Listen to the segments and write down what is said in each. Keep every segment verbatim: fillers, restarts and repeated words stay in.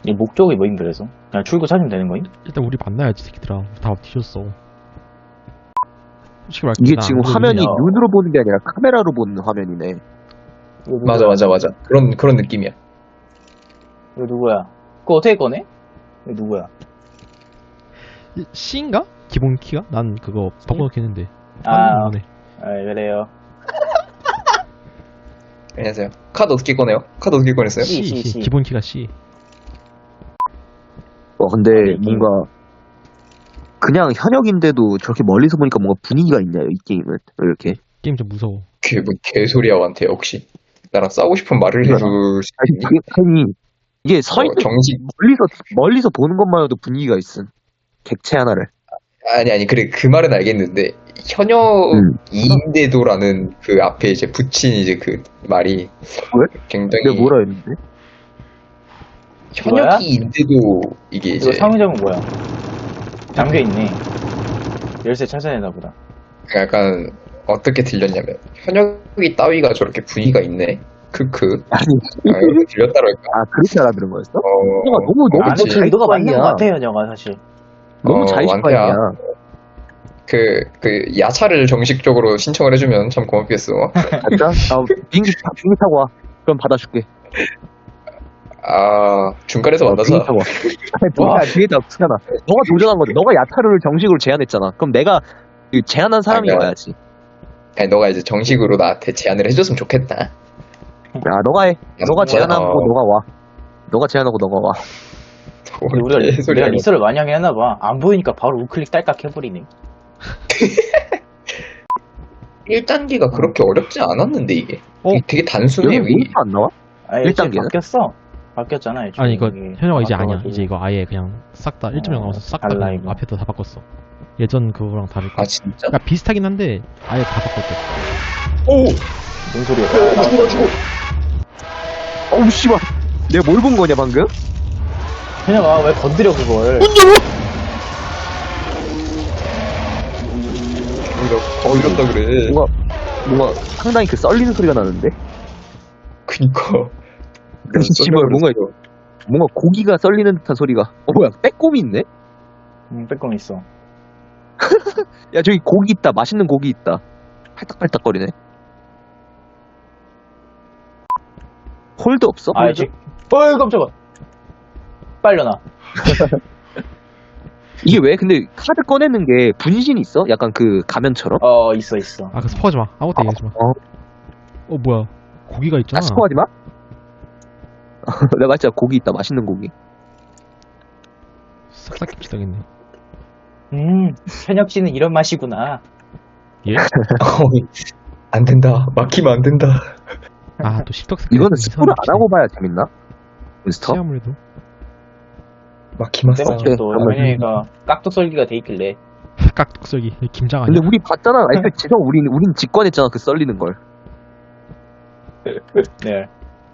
이 목적이 뭐임 그래서? 그냥 출구 찾으면 되는 거임? 일단 우리 만나야지 새끼들아. 다 뒤졌어. 솔직히 말해 이게 지금 화면이 야. 눈으로 보는 게 아니라 카메라로 보는 화면이네. 이거 누구야? 맞아 맞아 맞아 그런 그런 느낌이야. 이거 누구야? 그거 어떻게 꺼내? 이거 누구야? C인가? 기본 키가? 난 그거 바꿔놓긴 했는데. 아, 네. 아 그래요. 안녕하세요. 카드 어떻게 꺼내요? 카드 어떻게 꺼냈어요? C, C, C, C. C. 기본 키가 C. 어, 근데 아니, 게임. 뭔가 그냥 현역인데도 저렇게 멀리서 보니까 뭔가 분위기가 있네요, 이 게임은. 왜 이렇게? 게임 좀 무서워. 그게 뭐 개소리야 완테 혹시 나랑 싸우고 싶은 말을 해줄 수 아니, 있니? 이게, 아니, 이게 서 어, 있는 정식 멀리서 멀리서 보는 것만 해도 분위기가 있음. 객체 하나를. 아니 아니 그래 그 말은 알겠는데 음. 현역인데도라는 그 앞에 이제 붙인 이제 그 말이 왜? 굉장히 내가 뭐라 했는데? 현역인데도 이게 이제 이거 상점은 뭐야? 잠겨 있네. 열쇠 찾아야 되나 보다. 약간 어떻게 들렸냐면 현역이 따위가 저렇게 분위기가 있네. 크크. 아니, 아, 이렇게 들렸다랄까. 아 그렇게 알아들은 거였어? 어, 너가 너무 너무 안에 그치. 의도가 맞는 자의식관이야. 것 같아요, 저가 사실. 너무 어, 자의식관이야. 완태야. 그, 그, 야차를 정식적으로 신청을 해주면 참 고맙겠어. 가자. 아, 비행기 타, 비행기 타고 와. 그럼 받아줄게. 아, 중간에서 만나자. 비행기 타고 와. 와. 아니, 비행기 타고 타잖아. 너가 도전한 건데, 너가 야타를 정식으로 제안했잖아. 그럼 내가 그 제안한 사람이 아니야. 와야지. 아니, 너가 이제 정식으로 나한테 제안을 해줬으면 좋겠다. 야, 너가 해. 너가 뭐, 제안하고 어. 너가 와. 너가 제안하고 너가 와. 근데 우리가 리- 개소리야. 내가 리서를 많이 하긴 했나봐. 안 보이니까 바로 우클릭 딸깍 해버리네. 일 단계가 그렇게 어렵지 않았는데, 이게. 어? 되게, 되게 단순해요, 여기 이게. 몬스터 안 나와? 아, 일 일찍 단계는? 바뀌었어. 바뀌었잖아, 일찍. 아니 이거 이게 현역아 이제 아니야. 바뀌어가지고. 이제 이거 아예 그냥 싹 다 일 점 영 어, 나와서 싹 다 달라, 그냥 이거. 앞에도 다 바꿨어. 예전 그거랑 다를 거. 아, 진짜? 그러니까 비슷하긴 한데 아예 다 바꿨대. 오! 뭔 소리야? 야, 죽어, 죽어. 어우, 씨발. 내가 뭘 본 거냐, 방금? 현영아, 왜 건드려, 그걸? 우리가 거울렸다 그래. 뭔가, 뭔가 상당히 그 썰리는 소리가 나는데? 그니까. 씨발, 뭔가, 뭔가 고기가 썰리는 듯한 소리가. 어, 뭐야, 빼꼼이 있네? 응, 빼꼼 있어. 야, 저기 고기 있다. 맛있는 고기 있다. 팔딱팔딱거리네. 홀드 없어? 아, 홀드? 이제, 어이, 깜짝아. 빨려나. 이게 왜? 근데 카드 꺼내는 게 분신이 있어? 약간 그 가면처럼? 어, 있어, 있어. 아 그 스포하지 마. 아무것도 얘기하지 마. 어, 어 뭐야? 고기가 있잖아. 아, 스포하지 마? 내가 진짜 고기 있다. 맛있는 고기. 싹싹 깁시다겠네. 음, 현혁 씨는 이런 맛이구나. 예? 안 된다. 막히면 안 된다. 아또 십덕 색깔. 이거는 스포를 안 하고 봐야 재밌나? 몬스터? 아무래도. 막히면 내 싸. 마침 또 그러면- 현영이가 깍둑썰기가 돼 있길래. 깍둑썰기 김장 아니야? 근데 우리 봤잖아. 아니, 그 지금 우린, 우린 직관했잖아. 그 썰리는 걸. 네.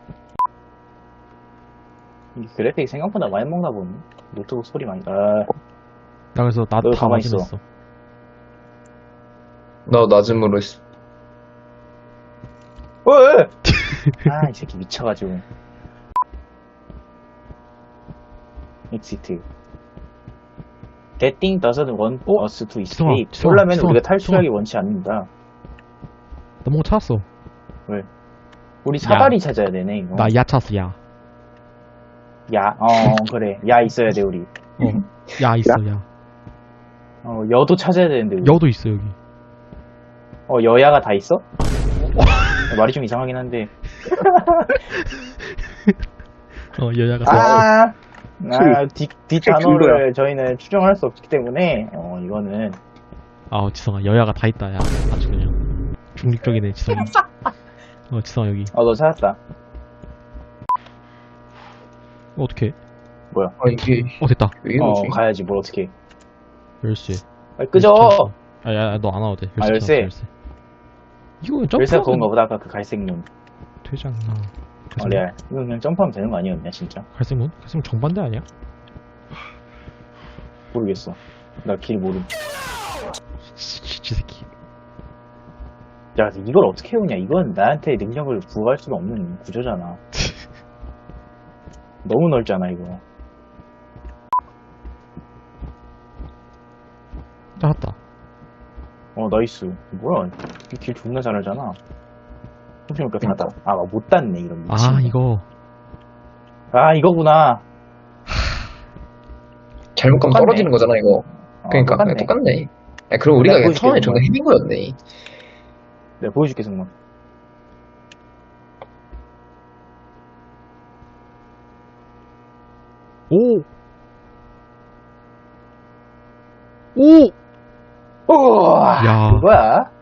이 그래픽 생각보다 많이 먹나 보네. 노트북 소리 많이. 아, 나 그래서 너 나다 가만히 있어. 맞으면서. 나 낮음으로 했어. 어, 아, 이 새끼 미쳐가지고. 엑시트. That thing doesn't want 어? us to 지성아, escape. 지성아, 쫄라면 지성아, 우리가 탈출하기 지성아. 원치 않는다. 나 뭔가 찾았어. 우리 사다리 찾아야 되네, 이거. 나 야 찾았어 야. 야, 어, 그래. 야 있어야 돼, 우리. 어. 야 있어 야. 어, 여도 찾아야 되는데, 우리. 여도 있어 여기. 어, 여야가 다 있어? 어, 말이 좀 이상하긴 한데. 어 여자가. 아, 아, 뒷, 뒷 칠 단어를 저희는 추정할 수 없기 때문에, 어, 이거는. 아 지성아 여야가 다 있다 야. 아주 그냥 중립적이네 지성이. 어 지성아 여기. 어, 너 찾았다. 어, 어떡해? 아, 이게, 어 됐다. 왜 어, 이러지? 가야지, 뭘 어떻게. 열쇠. 빨리 끄져! 아야 너 안 와도 돼. 아, 열쇠. 열쇠. 찾았어, 열쇠. 이거 점프. 열쇠가 그건가 보다, 아까 그 갈색 눈. 되지 않나? 어, 갈색 레알. 이거 그냥 점프하면 되는 거 아니었냐, 진짜? 갈색 문? 갈색 문 정반대 아니야? 모르겠어. 나 길 모름. 지, 지 새끼. 야, 이걸 어떻게 해오냐? 이건 나한테 능력을 부여할 수가 없는 구조잖아. 너무 넓잖아, 이거. 어, 나이스. 뭐야. 이 길 존나 잘하잖아. 혹시니까 닫아. 아, 못 닫네, 이런 미친. 아, 이거. 아, 이거구나. 잘못 가면 똑같네. 떨어지는 거잖아, 이거. 어, 그러니까, 똑같네. 똑같네. 야, 그리고 우리가 내가 그냥 처음에 보여줄게, 존나 헤빈 거였네. 내가 보여줄게, 승만. 오! 오! 우와! 야. 그거야.